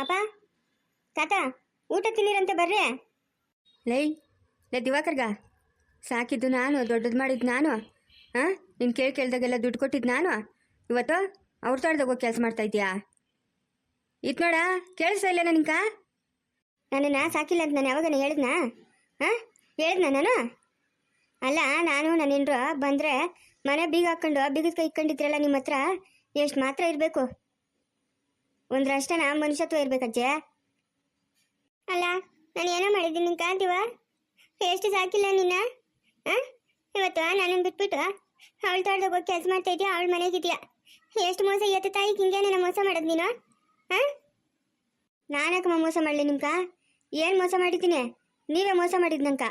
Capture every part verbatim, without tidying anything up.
ಅಪ್ಪ ತಾತ ಊಟ ತಿನ್ನಿರಂತೆ ಬರ್ರಿ. ಲೈ ಲೇ ದಿವಾಕರ್ಗ ಸಾಕಿದ್ದು ನಾನು, ದೊಡ್ಡದು ಮಾಡಿದ್ದು ನಾನು. ಹಾಂ ನೀನು ಕೇಳಿ ಕೇಳ್ದಾಗೆಲ್ಲ ದುಡ್ಡು ಕೊಟ್ಟಿದ್ದು ನಾನು. ಇವತ್ತು ಅವ್ರ ತೋಟದಾಗ ಹೋಗಿ ಕೆಲಸ ಮಾಡ್ತಾ ಇದೀಯಾ? ಇತ್ತು ನೋಡ, ಕೇಳಿಸ್ತಾ ಇಲ್ಲ ನಿನ್ಕ? ನನ್ನನ್ನು ಸಾಕಿಲ್ಲ ಅಂತ ನಾನು ಯಾವಾಗ ಹೇಳಿದ್ನಾ? ಹಾಂ ಹೇಳಿದ್ನ ನಾನು? ಅಲ್ಲ, ನಾನು ನನ್ನ ಹೆಂಡ್ರು ಬಂದರೆ ಮನೆ ಬೀಗ ಹಾಕ್ಕೊಂಡು ಬೀಗದ ಕೈ ಇಟ್ಕೊಂಡಿದ್ರಲ್ಲ ನಿಮ್ಮ ಹತ್ರ, ಎಷ್ಟು ಮಾತ್ರ ಇರಬೇಕು? ಒಂದರಷ್ಟನ ಮನುಷ್ಯತ್ವ ಇರ್ಬೇಕಜ್ಜೆ. ಅಲ್ಲ, ನಾನು ಏನೋ ಮಾಡಿದ್ದೀನಿ ನಿನ್ ಕಾಂತೀವ? ಎಷ್ಟು ಸಾಕಿಲ್ಲ ನಿನ್ನ? ಹಾಂ ಇವತ್ತು ನನ್ನನ್ನು ಬಿಟ್ಬಿಟ್ಟು ಅವಳ ತೋಟದಾಗ ಹೋಗಿ ಕೆಲಸ ಮಾಡ್ತಾ ಇದೆಯಾ, ಅವಳ ಮನೆಗಿದೆಯಾ? ಎಷ್ಟು ಮೋಸ ಎತ್ತ ತಾಯಿ, ಹಿಂಗೆ ನನ್ನ ಮೋಸ ಮಾಡೋದು ನೀನು? ಹಾಂ ನಾನಕ್ಕಮ್ಮ ಮೋಸ ಮಾಡಲಿ ನಿಮ್ಕ? ಏನು ಮೋಸ ಮಾಡಿದ್ದೀನಿ? ನೀವೇ ಮೋಸ ಮಾಡಿದ್ ನಂಕ.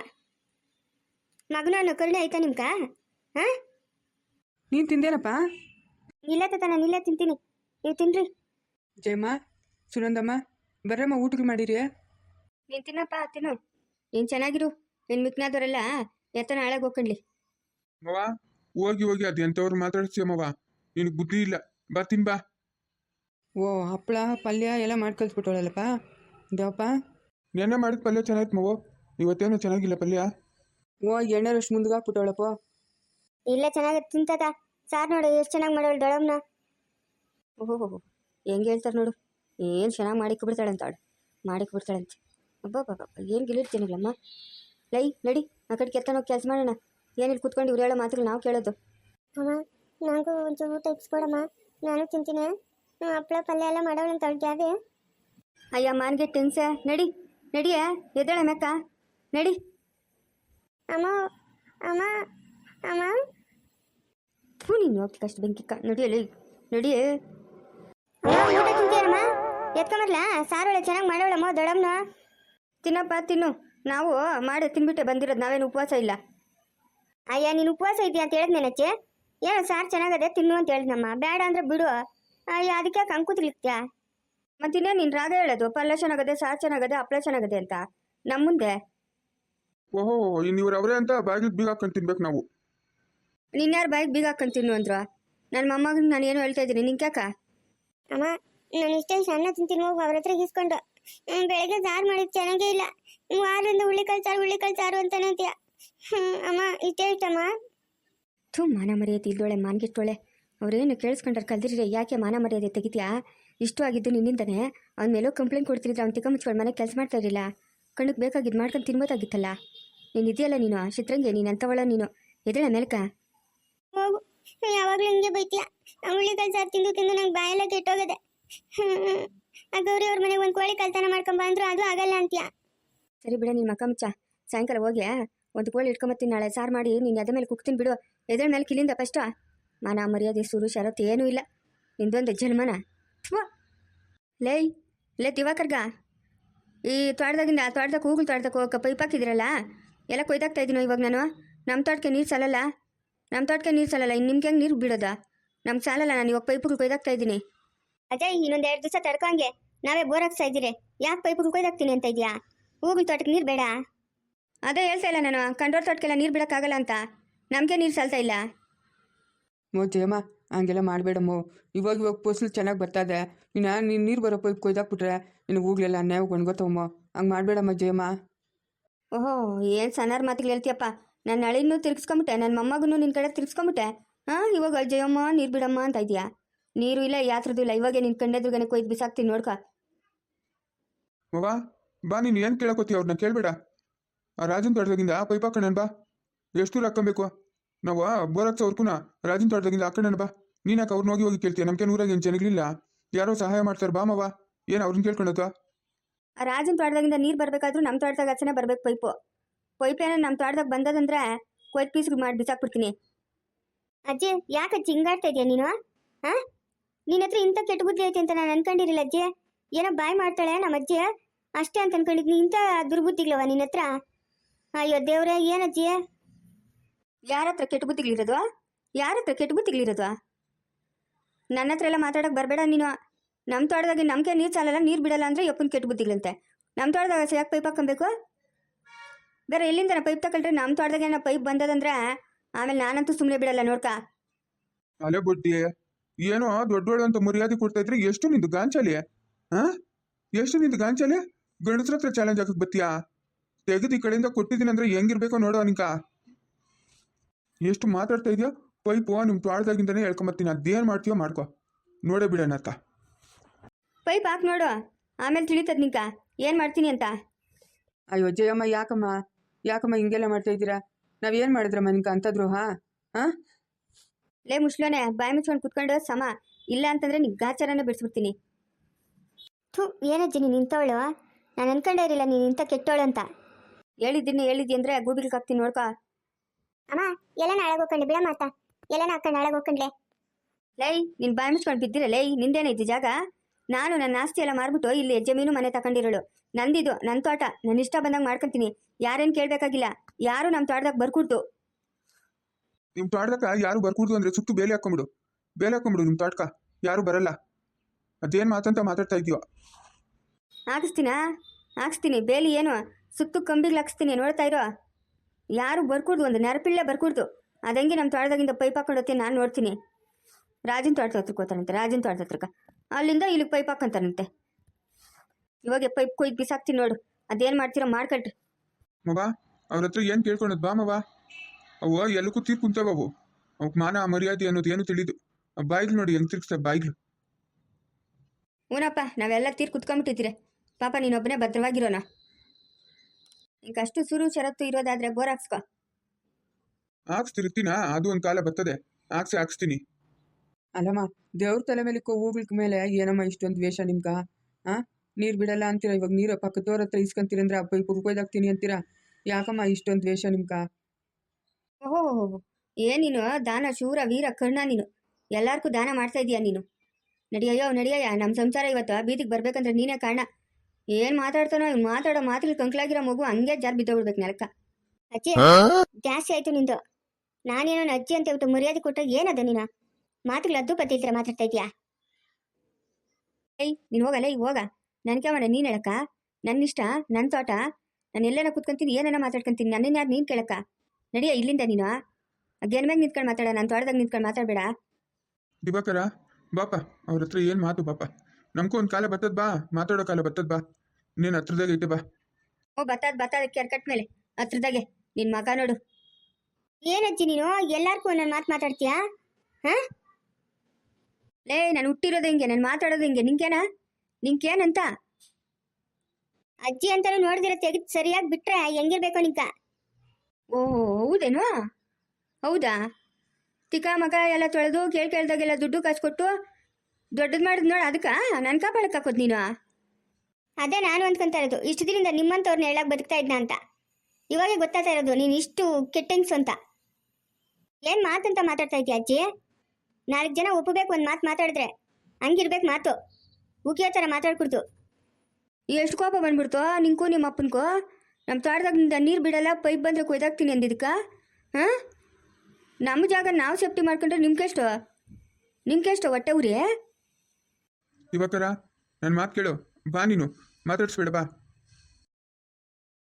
ಮಗನ ಅನ್ನೋ ಕರುಣೆ ಆಯ್ತಾ ನಿಮ್ಕ? ಹಾಂ ನೀನು ತಿಂದೇನಪ್ಪ? ಇಲ್ಲ ತಾತ, ನಾನು ಇಲ್ಲೇ ತಿಂತೀನಿ, ನೀವು ತಿನ್ರಿ. ಜಯಮ್ಮ, ಸುನಂದಮ್ಮ, ಬರ್ರಮ್ಮ ಊಟಕ್ಕೆ ಮಾಡಿರಿ. ನೀನು ತಿನ್ನಪ್ಪ, ತಿನ್ನು. ನೀನು ಚೆನ್ನಾಗಿರು. ನಿನ್ನ ಮಿಕ್ನಾದವರೆಲ್ಲ ಎತ್ತ ನಾಳೆಗೆ ಹೋಗ್ಕೊಂಡ್ಲಿ. ಮವ ಹೋಗಿ ಹೋಗಿ ಅದು ಎಂಥವ್ರು ಮಾತಾಡ್ತೀಯಮ್ಮವ, ನಿನಗೆ ಬುದ್ಧಿ ಇಲ್ಲ. ಬರ್ತೀನಿ ಬಾ. ಓ, ಹಪ್ಪಳ ಪಲ್ಯ ಎಲ್ಲ ಮಾಡಿ ಕಳಿಸ್ಬಿಟ್ಟವಳಲ್ಲಪ್ಪ ದೇವಪ್ಪ. ನೆನ್ನೆ ಮಾಡಿದ ಪಲ್ಯ ಚೆನ್ನಾಗಿತ್ತು ಮವ, ಇವತ್ತೇನು ಚೆನ್ನಾಗಿಲ್ಲ ಪಲ್ಯ. ಓ, ಎಣ್ಣೆರಷ್ಟು ಮುಂದ್ಗೆ ಹಾಕ್ಬಿಟ್ಟವಳಪ್ಪ. ಇಲ್ಲೇ ಚೆನ್ನಾಗಿ ತಿಂತದ. ಸಾರ್ ನೋಡು ಎಷ್ಟು ಚೆನ್ನಾಗಿ ಮಾಡೋಳು ದೊಡಮ್ನ. ಓಹೋ ಹೆಂಗೆ ಹೇಳ್ತಾರೆ ನೋಡು, ಏನು ಚೆನ್ನಾಗಿ ಮಾಡಿಕ್ಕೆ ಬಿಡ್ತಾಳೆ ಅಂತ ಅವಳು. ಮಾಡಿಕ್ಕೆ ಬಿಡ್ತಾಳಂತೆ. ಅಬ್ಬಬ್ಬಬ್ಬ, ಏನು ಗಿಲಿಡ್ತೀನಿಲ್ಲಮ್ಮ. ಲೈ ನಡಿ, ಆ ಕಡೆ ಕೆತ್ತನೋಗಿ ಕೆಲಸ ಮಾಡೋಣ. ಏನಿಲ್ಲ ಕೂತ್ಕೊಂಡು ಇವ್ರು ಹೇಳೋ ಮಾತುಗಳು ನಾವು ಕೇಳೋದು. ಅಮ್ಮ ನನಗೂ ಒಂಚೂರು ಊಟ ಇಕ್ಸ್ಕೊಡಮ್ಮ, ನಾನು ತಿಂತೀನಿ. ಹಪ್ಪಳ ಪಲ್ಯ ಎಲ್ಲ ಮಾಡೋಳು ಅಂತ ಅವಳು ಜಾಬಿ. ಅಯ್ಯ ಮಾನ್ಗೆ ಟೆನ್ಸೆ, ನಡಿ ನಡಿಯ, ಎದ್ದೇಳೆ ಮೆಕ್ಕ ನಡಿ. ಅಮ್ಮ ಅಮ್ಮ ಅಮ್ಮ ಥೂ, ನೀನು ಹೋಗ್ತಿ ಕಷ್ಟ ಬೆಂಕಿಕ್ಕ. ನಡಿಯಲಿ ನಡಿಯೇ. ಊಟ ತಿಂತೀರಮ್ಮ? ಎತ್ಕೊಂಬರ್ಲಾ? ಸಾರೊಳೆ ಚೆನ್ನಾಗಿ ಮಾಡೋಳಮ್ಮ ದೊಡಮ್ನ. ತಿನ್ನಪ್ಪ ತಿನ್ನು. ನಾವು ಮಾಡಿ ತಿನ್ಬಿಟ್ಟೆ ಬಂದಿರೋದು, ನಾವೇನು ಉಪವಾಸ ಇಲ್ಲ. ಅಯ್ಯ ನೀನು ಉಪವಾಸ ಇದೆಯಾ ಅಂತ ಹೇಳಿದ್ನೇನಚ್ಚೆ. ಏನೋ ಸಾರು ಚೆನ್ನಾಗದೆ ತಿನ್ನು ಅಂತ ಹೇಳಿದ್ನಮ್ಮ. ಬೇಡ ಅಂದ್ರೆ ಬಿಡು. ಅಯ್ಯ ಅದಕ್ಕೆ ಕಂಕೂತಿರ್ಲಿಕ್ತ್ಯಾ? ಮತ್ತಿನ್ನೇ ನೀನು ರಾಗ ಹೇಳೋದು, ಪಲ್ಯ ಚೆನ್ನಾಗದೆ, ಸಾರು ಚೆನ್ನಾಗದೆ, ಹಪ್ಪಳ ಚೆನ್ನಾಗದೆ ಅಂತ ನಮ್ಮ ಮುಂದೆ. ಓಹೋ, ಇನ್ನು ಇವ್ರು ಅವರೇ ಅಂತ ಬಾಗಿಲು ಬೀಗ ಹಾಕೊಂಡು ತಿನ್ಬೇಕು ನಾವು. ನಿನ್ಯಾರು ಬಾಯಿಗೆ ಬೀಗ ಹಾಕೊಂಡು ತಿನ್ನು ಅಂದ್ರು? ನನ್ನ ಮೊಮ್ಮಗನ ನಾನು ಏನು ಹೇಳ್ತಾ ಇದ್ದೀನಿ ನಿಂಕ್ಯಾಕ? ಅಮ್ಮ ನಾನು ಇಷ್ಟೇ ಸಣ್ಣ ತಿಂತೀನಿ, ಹೋಗಿ ಅವ್ರ ಹತ್ರ ಇಸ್ಕೊಂಡು. ಬೆಳಗ್ಗೆ ಸಾರು ಮಾಡಿದ್ದು ಚೆನ್ನಾಗೇ ಇಲ್ಲ. ವಾರದಿಂದ ಹುಳ್ಳಿಕಾಳು ಸಾರು ಹುಳ್ಳಿಕಾಳು ಸಾರು ಅಂತಾನೆ ಅಂತೀಯ. ಹ್ಞೂ ಅಮ್ಮ ಇಷ್ಟೇ ಇಷ್ಟಮ್ಮ. ಥೂ, ಮಾನ ಮರ್ಯಾದೆ ಇಲ್ದೋಳೆ, ಮಾನ್ಗಿಟ್ಟೋಳೆ. ಅವ್ರೇನು ಕೇಳಿಸ್ಕೊಂಡ್ರೆ ಕಲ್ದಿರಿ, ಯಾಕೆ ಮಾನ ಮರ್ಯಾದೆ ತೆಗಿತೀಯಾ? ಇಷ್ಟು ಆಗಿದ್ದು ನಿನ್ನಿಂದನೇ. ಅವ್ನ ಮೇಲೂ ಕಂಪ್ಲೇಂಟ್ ಕೊಡ್ತಿದ್ರೆ ಅವ್ನು ತಿಕ್ಕ ಮುಚ್ಕೊಂಡು ಮನೆಗೆ ಕೆಲಸ ಮಾಡ್ತಾ ಇರಲಿಲ್ಲ. ಕಣ್ಣಕ್ಕೆ ಬೇಕಾಗಿದ್ದು ಮಾಡ್ಕೊಂಡು ತಿನ್ಬೋದಾಗಿತ್ತಲ್ಲ. ನೀನು ಇದೆಯಲ್ಲ ನೀನು ಚಿತ್ರಂಗೆ, ನೀನು ಅಂತವಳ ನೀನು. ಎದೇಳ ಮೇಲ್ಕ ಹೋಗು, ಯಾವಾಗಲೂ ಹಿಂಗೆ ಬೈತೀಯ. ಹುಳ್ಳಿಕಾಳು ಸಾರು ತಿಂದು ತಿಂದು ನಂಗೆ ಬಾಯೆಲ್ಲ ಕೆಟ್ಟೋಗದೆ. ಹ್ಞೂ ಆ ಗೌರಿ ಅವ್ರ ಮನೆಗೆ ಒಂದು ಕೋಳಿ ಕಳ್ತನ ಮಾಡ್ಕೊಂಬ ಅಂದ್ರು ಅದು ಆಗಲ್ಲ ಅಂತೀಯ. ಸರಿ ಬಿಡ, ನಿನ್ನ ಮಕ್ಕ ಮುಚ್ಚ. ಸಾಯಂಕಾಲ ಹೋಗಿ ಒಂದು ಕೋಳಿ ಇಟ್ಕೊಂಬತ್ತೀನಿ, ನಾಳೆ ಸಾರು ಮಾಡಿ ನೀನು ಅದ ಮೇಲೆ ಕುಕ್ತೀನಿ ಬಿಡು. ಎದ್ರ ಮೇಲೆ ಕಿಲಿಂದ ಫಸ್ಟ. ಮಾನ ಮರ್ಯಾದೆ ಸುರು ಶರತ್ತು ಏನೂ ಇಲ್ಲ ನಿಂದೊಂದು ಜನ್ಮನ. ಥ್ವಾ ಲೈ ಲೇ ದಿವಾಕರ್ಗ, ಈ ತೋಟದಾಗಿಂದ ಆ ತೋಟದಾಗ ಹೂಗಳು ತೋಟದಾಗ ಹೋಗಕ್ಕೆ ಪೈಪ್ ಹಾಕಿದಿರಲ್ಲ, ಎಲ್ಲ ಕೊಯ್ದಾಗ್ತಾ ಇದ್ದೀನೋ ಇವಾಗ ನಾನು. ನಮ್ಮ ತೋಟಕ್ಕೆ ನೀರು ಸಾಲಲ್ಲ, ನಮ್ಮ ತೋಟಕ್ಕೆ ನೀರು ಸಾಲಲ್ಲ. ಇನ್ನು ನಿಮ್ಗೆ ಹೆಂಗೆ ನೀರು ಬಿಡೋದಾ? ನಮ್ಗೆ ಸಾಲಲ್ಲ. ನಾನು ಇವಾಗ ಪೈಪುಗಳು ಕೊಯ್ದಾಗ್ತಾ ಇದ್ದೀನಿ. ಅಜಯ್ ಇನ್ನೊಂದು ಎರಡು ದಿವಸ ತಡ್ಕೊಂಗೆ, ನಾವೇ ಬೋರ್ ಹಾಕ್ಸ್ತಾ ಇದ್ದೀರಿ. ಯಾಕೆ ಪೈಪುಗಳು ಕೊಯ್ದಾಕ್ತೀನಿ ಅಂತ ಇದೆಯಾ? ಹೂಗಳ ತೋಟಕ್ಕೆ ನೀರು ಬೇಡ? ಅದೇ ಹೇಳ್ತಾ ಇಲ್ಲ ನಾನು, ಕಂಡೋರ್ ತೋಟಕ್ಕೆಲ್ಲ ನೀರು ಬಿಡೋಕ್ಕಾಗಲ್ಲ ಅಂತ. ನಮಗೆ ನೀರು ಸಾಲ್ತಾ ಇಲ್ಲ. ಮೋ ಜಯಮ್ಮ, ಹಂಗೆಲ್ಲ ಮಾಡಬೇಡಮ್ಮೋ. ಇವಾಗ ಇವಾಗ ಫಸಲು ಚೆನ್ನಾಗಿ ಬರ್ತದೆ. ಇನ್ನು ನೀನು ನೀರು ಬರೋ ಪೈಪ್ ಕೊಯ್ದಾಕ್ಬಿಟ್ರೆ ನಿನ್ನ ಹೂಗಳೆಲ್ಲ ಅನ್ಯಾಯ ಒಣಗೋತವಮ್ಮ. ಹಂಗೆ ಮಾಡಬೇಡಮ್ಮ ಜಯಮ್ಮ. ಓಹೋ, ಏನು ಸಣ್ಣಾರ ಮಾತಿಗೆ ಹೇಳ್ತೀಯಪ್ಪ. ನನ್ನ ಹಳಿನೂ ತಿರ್ಗಿಸ್ಕೊಂಬಿಟ್ಟೆ, ನನ್ನ ಮೊಮ್ಮಗನೂ ನಿನ್ನ ಕಡೆ ತಿರ್ಗಿಸ್ಕೊಂಬಿಟ್ಟೆ. ಹಾಂ ಇವಾಗ ಜಯಮ್ಮ ನೀರು ಬಿಡಮ್ಮ ಅಂತ ಇದೆಯಾ? ನೀರು ಇಲ್ಲ, ಯಾತ್ರದ್ದು ಇಲ್ಲ. ಇವಾಗೆ ನಿನ್ನ ಕಂಡದ್ರುಗನೆ ಕೊಯ್ದು ಬಿಸಾಕ್ತೀನಿ ನೋಡ್ಕ. ಮವ ಬಾ, ನೀನು ಏನು ಕೇಳಕೋತೀಯ? ಅವ್ರನ್ನ ಕೇಳಬೇಡ. ಆ ರಾಜನ್ ತೋಟದಾಗಿಂದ ಪೈಪ್ ಹಾಕೋಣ ಬಾ. ಎಷ್ಟು ದೂರ ಹಾಕೊಬೇಕು ನಾವು? ಬೋರಕ್ಸ ಅವ್ರಕುನ ರಾಜನ್ ತೋಟದಾಗಿಂದ ಹಾಕೋಣ ಬಾ. ನೀನು ಯಾಕೆ ಅವ್ರನ್ನ ಹೋಗಿ ಹೋಗಿ ಕೇಳ್ತೀಯ? ನಮ್ಗೆ ಊರಾಗ ಏನು ಜನಗಳಿಲ್ಲ, ಯಾರೋ ಸಹಾಯ ಮಾಡ್ತಾರೆ ಬಾ ಮವ. ಏನು ಅವ್ರನ್ನ ಕೇಳ್ಕೊಳತ್ತ? ರಾಜನ ತೋಟದಾಗಿಂದ ನೀರು ಬರಬೇಕಾದ್ರೂ ನಮ್ಮ ತೋಟದಾಗ ಹಚ್ಚನೆ ಬರ್ಬೇಕು ಪೈಪು. ಪೈಪ್ ಏನೋ ನಮ್ಮ ತೋಟದಾಗ ಬಂದದಂದ್ರೆ ಕೊಯ್ದು ಪೀಸ್ಗಳು ಮಾಡಿ ಬಿಸಾಕ್ಬಿಡ್ತೀನಿ. ಅಜ್ಜಿ ಯಾಕೆ ಅಜ್ಜಿ ಹಿಂಗಾಡ್ತಾ ಇದೆಯಾ ನೀನು? ಹಾಂ ನಿನ್ನ ಹತ್ರ ಇಂಥ ಕೆಟ್ಟ ಬುದ್ಧಿ ಐತೆ ಅಂತ ನಾನು ಅನ್ಕೊಂಡಿರಲಿಲ್ಲ ಅಜ್ಜಿ. ಏನೋ ಬಾಯ್ ಮಾಡ್ತಾಳೆ ನಮ್ಮ ಅಜ್ಜಿ ಅಷ್ಟೇ ಅಂತ ಅನ್ಕೊಂಡಿದ್ನಿ. ಇಂಥ ದುರ್ಬುದ್ಧಿಗಳವ ನಿನ್ನ ಹತ್ರ? ಅಯ್ಯೋ ದೇವ್ರೆ, ಏನಜ್ಜಿ? ಯಾರ ಹತ್ರ ಕೆಟ್ಟ ಬುದ್ಧಿಗಳಿರೋದು? ಯಾರ ಹತ್ರ ಕೆಟ್ಟ ಬುದ್ಧಿಗಳಿರೋದು? ನನ್ನ ಹತ್ರ ಎಲ್ಲ ಮಾತಾಡೋಕೆ ಬರಬೇಡ ನೀನು. ನಮ್ಮ ತೋಟದಾಗಿ ನಮಗೆ ನೀರು ಸಾಲಲ್ಲ, ನೀರು ಬಿಡಲ್ಲ ಅಂದರೆ ಯಪ್ಪನ ಕೆಟ್ಟ ಬುದ್ಧಿಗಳಂತೆ. ನಮ್ಮ ತೋಟದಾಗ ಯಾಕೆ ಪೈಪ್ ಹಾಕೊಬೇಕು? ಬೇರೆ ಎಲ್ಲಿಂದ ಪೈಪ್ ತಗೊಂಡ್ರೆ ನಮ್ಮ ತೋಟದಾಗ ಏನೋ ಪೈಪ್ ಬಂದದಂದ್ರೆ ಆಮೇಲೆ ನಾನಂತೂ ಸುಮ್ಮನೆ ಬಿಡಲ್ಲ ನೋಡ್ಕ. ಅಲೆ ಬುಡ್ಡಿ, ಏನೋ ದೊಡ್ಡೋಳು ಅಂತ ಮರ್ಯಾದೆ ಕೊಡ್ತಾ ಇದ್ರೆ ಎಷ್ಟು ನಿಂದು ಗಾಂಚಲಿ? ಹಾ ಎಷ್ಟು ನಿಂದು ಗಾಂಚಲೆ ಗಂಡಸ್ರ ಹತ್ರ ಚಾಲೆಂಜ್ ಆಗಕ್ಕೆ ಬತ್ತೀಯಾ ತೆಗೆದು ಈ ಕಡೆಯಿಂದ ಕೊಟ್ಟಿದ್ದೀನಿ ಅಂದ್ರೆ ಹೆಂಗಿರ್ಬೇಕೋ ನೋಡೋ ನಿಂಕ ಎಷ್ಟು ಮಾತಾಡ್ತಾ ಇದೆಯೋ ಪೈಪು ನಿಮ್ಮ ತೋಟದಾಗಿಂದನೇ ಹೇಳ್ಕೊಂಬತ್ತೀನಿ ಅದೇನು ಮಾಡ್ತೀಯೋ ಮಾಡ್ಕೊ ನೋಡೇ ಬಿಡೋಣ ಅತ್ತ ಪೈಪ್ ಹಾಕಿ ನೋಡು ಆಮೇಲೆ ತಿಳಿತದ ನಿಂಕ ಏನು ಮಾಡ್ತೀನಿ ಅಂತ. ಅಯ್ಯೋ ಜಯಮ್ಮ ಯಾಕಮ್ಮ ಯಾಕಮ್ಮ ಹಿಂಗೆಲ್ಲ ಮಾಡ್ತಾ ಇದ್ದೀರಾ? ನಾವೇನು ಮಾಡಿದ್ರಮ್ಮ ನಿಂಕ ಅಂತದ್ರು ಹಾ ಹಾಂ ಲೇ ಮುಷ್ಲೋನೆ ಬಾಯಿ ಮುಚ್ಕೊಂಡು ಕುತ್ಕೊಂಡು ಸಮ ಇಲ್ಲ ಅಂತಂದ್ರೆ ನಿನ್ ಗಾಚಾರನೇ ಬಿಡಿಸ್ಬಿಡ್ತೀನಿ. ಥೂ ಏನಜ್ಜಿ ನೀನು ನಿಂತವಳು, ನಾನು ಅನ್ಕೊಂಡೇ ಇರಲಿಲ್ಲ ನೀನು ಇಂಥ ಕೆಟ್ಟವಳು ಅಂತ. ಹೇಳಿದ್ದೀನಿ ಹೇಳಿದ್ದಿ ಅಂದ್ರೆ ಗೂಬಿಲ್ಗೆ ಹಾಕ್ತೀನಿ ನೋಡ್ಕೊ. ಅಮ್ಮ ಎಲ್ಲ ನಾಳೆ ಹೋಗ್ಕೊಂಡೆ ಬಿಡ ಮಾತಾ ಎಲ್ಲ ಹಾಕೊಂಡು ನಾಳೆ ಹೋಗ್ಕೊಂಡ್ಲೆ. ಲೈ ನಿನ್ ಬಾಯಿ ಮುಚ್ಕೊಂಡು ಬಿದ್ದಿರ ಲೈ ನಿಂದೇನೈತಿ ಜಾಗ? ನಾನು ನನ್ನ ಆಸ್ತಿ ಎಲ್ಲ ಮಾರ್ಬಿಟ್ಟು ಇಲ್ಲಿ ಜಮೀನು ಮನೆ ತಗೊಂಡಿರೋಳು. ನಂದಿದು ನನ್ನ ತೋಟ, ನನ್ನ ಇಷ್ಟ ಬಂದಂಗೆ ಮಾಡ್ಕೊಂತೀನಿ. ಯಾರೇನು ಕೇಳಬೇಕಾಗಿಲ್ಲ. ಯಾರು ನಮ್ಮ ತೋಟದಾಗ ಬರ್ಕೊಡ್ತು. ನಿಮ್ಮ ತೋಟದಕ್ಕ ಯಾರು ಬರ್ಕೂಡ್ದು ಅಂದ್ರೆ ಸುತ್ತು ಬೇಲಿ ಹಾಕೊಂಬಿಡು ಬೇಲಿ ಹಾಕೊಂಬಿಡು ನಿಮ್ಮ ತೋಟಕ್ಕ ಯಾರು ಬರಲ್ಲ. ಅದೇನು ಮಾತಂತ ಮಾತಾಡ್ತಾ ಇದೀಯೋ ಹಾಕಿಸ್ತೀನಾ ಹಾಕ್ಸ್ತೀನಿ ಬೇಲಿ ಏನು ಸುತ್ತು ಕಂಬಿಗೆ ಹಾಕ್ಸ್ತೀನಿ ನೋಡ್ತಾ ಇರೋ. ಯಾರು ಬರ್ಕೂಡ್ದು ಒಂದು ನೆರಪಿಳ್ಳೆ ಬರ್ಕೂಡ್ದು. ಅದಂಗೆ ನಮ್ಮ ತೋಟದಾಗಿಂದ ಪೈಪ್ ಹಾಕೊಂಡು ಹೋಗ್ತೀನಿ ನಾನು ನೋಡ್ತೀನಿ. ರಾಜನ ತೋಟದ ಹತ್ರಕ್ಕೆ ಹೋಗ್ತಾನಂತೆ, ರಾಜನ ತೋಟದ ಹತ್ರಕ್ಕೆ ಅಲ್ಲಿಂದ ಇಲ್ಲಿಗೆ ಪೈಪ್ ಹಾಕೊಂತಾನಂತೆ. ಇವಾಗ ಪೈಪ್ ಕೊಯ್ದು ಬಿಸಾಕ್ತೀನಿ ನೋಡು. ಅದೇನು ಮಾಡ್ತೀರೋ ಮಾಡ್ಕೊಳ್ರಿ ಮವ. ಅವ್ರ ಹತ್ರ ಏನು ಕೇಳ್ಕೊಳದ್ ಬಾ ಮವ. ಅವು ಎಲ್ಲಕ್ಕೂ ತೀರ್ ಕುಂತವ ಅವು ಅವಕ್ಕೆ ಮಾನ ಮರ್ಯಾದೆ ಅನ್ನೋದು ಏನು ತಿಳಿದು ಬಾಯಿಗಳು ನೋಡಿ ಹೆಂಗ್ ತಿರ್ಗಿಸ್ತಾವೆ ಬಾಯಿಗಳು. ಹೂನಪ್ಪ ನಾವೆಲ್ಲ ತೀರ್ ಕುತ್ಕೊಂಡ್ಬಿಟ್ಟಿದ್ದೀರಿ ಪಾಪ ನೀನೊಬ್ಬನೇ ಭದ್ರವಾಗಿರೋಣ. ಈಗ ಅಷ್ಟು ಸುರು ಷರತ್ತು ಇರೋದಾದ್ರೆ ಬೋರ್ ಹಾಕ್ಸ್ಕೊ. ಹಾಕ್ಸ್ತಿರ್ತೀನ ಅದು ಒಂದು ಕಾಲ ಬರ್ತದೆ ಹಾಕ್ಸಿ ಹಾಕ್ಸ್ತೀನಿ. ಅಲ್ಲಮ್ಮ ದೇವ್ರ ತಲೆ ಮೇಲೆ ಹೂಗಳ ಮೇಲೆ ಏನಮ್ಮ ಇಷ್ಟೊಂದು ದ್ವೇಷ ನಿಮ್ಗ? ಹಾಂ ನೀರು ಬಿಡಲ್ಲ ಅಂತೀರಾ, ಇವಾಗ ನೀರು ಪಕ್ಕದವ್ರ ಹತ್ರ ಇಸ್ಕೊಂತೀರಂದ್ರೆ ಆ ಪೈಪ್ ಕೊಯ್ದಾಕ್ತೀನಿ ಅಂತೀರಾ. ಯಾಕಮ್ಮ ಇಷ್ಟೊಂದು ದ್ವೇಷ ನಿಮ್ಗ? ಓಹೋ ಏನಿನು ದಾನ ಶೂರ ವೀರ ಕರ್ಣ ನೀನು ಎಲ್ಲಾರ್ಗೂ ದಾನ ಮಾಡ್ತಾ ಇದೀಯ ನೀನು. ನಡಿಯಯ್ಯೋ ನಡಿಯಯ್ಯ ನಮ್ಮ ಸಂಸಾರ ಇವತ್ತು ಬೀದಿಗೆ ಬರ್ಬೇಕಂದ್ರೆ ನೀನೇ ಕಾರಣ. ಏನು ಮಾತಾಡ್ತಾನೋ ಇವ್ನು ಮಾತಾಡೋ ಮಾತಲ್ಲಿ ಕಂಕ್ಲಾಗಿರೋ ಮಗು ಹಂಗೆ ಜಾರ್ ಬಿದ್ದೋಗ್ಬಿಡ್ಬೇಕು ನೆಲಕ್ಕ. ಅಜ್ಜಿ ಜಾಸ್ತಿ ಆಯ್ತು ನಿಂದು. ನಾನೇನೋ ಅಜ್ಜಿ ಅಂತ ಹೇಳ್ಬಿಟ್ಟು ಮರ್ಯಾದೆ ಕೊಟ್ಟ ಏನದ ನೀನು ಮಾತುಗಳು ಅದ್ದು ಪತ್ತಿಲ್ತರ ಮಾತಾಡ್ತಾ ಇದೀಯಾ? ಏಯ್ ನೀನು ಹೋಗಲ್ಲ ಈಗ ಹೋಗ. ನನ್ಕೆ ಮಾಡ ನೀನು ಹೇಳಕ್ಕ? ನನ್ನ ಇಷ್ಟ ನನ್ನ ತೋಟ, ನಾನು ಎಲ್ಲೇನ ಕುತ್ಕೊಂತೀನಿ ಏನೇನ ಮಾತಾಡ್ಕೊಂತೀನಿ. ನನ್ನನ್ನು ಯಾರು ನೀನು ಕೇಳಕ್ಕ? ನಡಿಯ ಇಲ್ಲಿಂದ ನೀನು ಅದೇನ್ ಮ್ಯಾಗ ನಿಂತ್ಕೊಂಡು ಮಾತಾಡ, ನಾನು ತೋಟದಾಗ ನಿಂತ್ಕೊಂಡು ಮಾತಾಡಬೇಡ. ದಿವಾಕರ ಬಾಪ ಅವ್ರ ಹತ್ರ ಏನು ಮಾತು ಬಾಪ. ನಮ್ಗೂ ಒಂದು ಕಾಲ ಬರ್ತದ ಬಾ, ಮಾತಾಡೋ ಕಾಲ ಬರ್ತದ ಬಾ. ನೀನು ಹತ್ರದಾಗ ಐತೆ ಬಾ. ಓ ಬತ್ತಾದ ಬತ್ತಾದ ಕೆರ್ಕಟ್ ಮೇಲೆ ಹತ್ರದಾಗೆ ನಿನ್ ಮಗ ನೋಡು. ಏನಜ್ಜಿ ನೀನು ಎಲ್ಲಾರ್ಗೂ ಒಂದೊಂದು ಮಾತು ಮಾತಾಡ್ತೀಯಾ? ಹಾ ಲೇ ನಾನು ಹುಟ್ಟಿರೋದು ಹಿಂಗೆ, ನಾನು ಮಾತಾಡೋದು ಹಿಂಗೆ. ನಿಂಕೇನ ನಿಂಕೇನಂತ? ಅಜ್ಜಿ ಅಂತಾನು ನೋಡಿದಿರ ತೆಗೆದು ಸರಿಯಾಗಿ ಬಿಟ್ರೆ ಹೆಂಗಿರ್ಬೇಕೋ ನಿಂಕ. ಓಹೋ ಹೌದೇನು? ಹೌದಾ? ತಿಕ್ಕ ಮಗ ಎಲ್ಲ ತೊಳೆದು ಕೇಳ್ ಕೇಳ್ದಾಗೆಲ್ಲ ದುಡ್ಡು ಕಾಸು ಕೊಟ್ಟು ದೊಡ್ಡದು ಮಾಡಿದ್ ನೋಡು. ಅದಕ್ಕೆ ನನ್ನ ಕಾಪಾಡಕ್ಕೆ ಹಾಕೋದು ನೀನು? ಅದೇ ನಾನು ಅಂದ್ಕೊಂತ ಇರೋದು, ಇಷ್ಟು ದಿನದಿಂದ ನಿಮ್ಮಂತವ್ರನ್ನ ಹೇಳಕ್ ಬದುಕ್ತಾ ಇದ್ನ ಅಂತ. ಇವಾಗೆ ಗೊತ್ತಾಗ್ತಾ ಇರೋದು ನೀನು ಇಷ್ಟು ಕೆಟ್ಟೆಂಗ್ಸು ಅಂತ. ಏನು ಮಾತಂತ ಮಾತಾಡ್ತಾ ಇದೀಯ ಅಜ್ಜಿ? ನಾಲ್ಕು ಜನ ಒಪ್ಪಬೇಕು ಒಂದು ಮಾತು ಮಾತಾಡಿದ್ರೆ ಹಂಗಿರ್ಬೇಕು ಮಾತು. ಉಗಿಯೋ ಥರ ಮಾತಾಡ್ಕೊಡ್ತು. ಎಷ್ಟು ಕೋಪ ಬಂದ್ಬಿಡ್ತು ನಿಂಗೂ ನಿಮ್ಮ ಅಪ್ಪನಿಗೂ? ನಮ್ಮ ತೋಟದಾಗಿಂದ ನೀರು ಬಿಡಲ್ಲ, ಪೈಪ್ ಬಂದರೆ ಕೊಯ್ದಾಕ್ತೀನಿ ಅಂದಿದ್ದಕ್ಕ? ಹಾಂ ನಮ್ಮ ಜಾಗ ನಾವು ಸೇಫ್ಟಿ ಮಾಡ್ಕೊಂಡ್ರೆ ನಿಮ್ಗೆಷ್ಟು ನಿಮ್ಗೆಷ್ಟು ಹೊಟ್ಟೆ ಉರಿ? ದಿವಾಕರ ನನ್ನ ಮಾತು ಕೇಳು ಬಾ, ನೀನು ಮಾತಾಡ್ಸ್ಬೇಡ ಬಾ.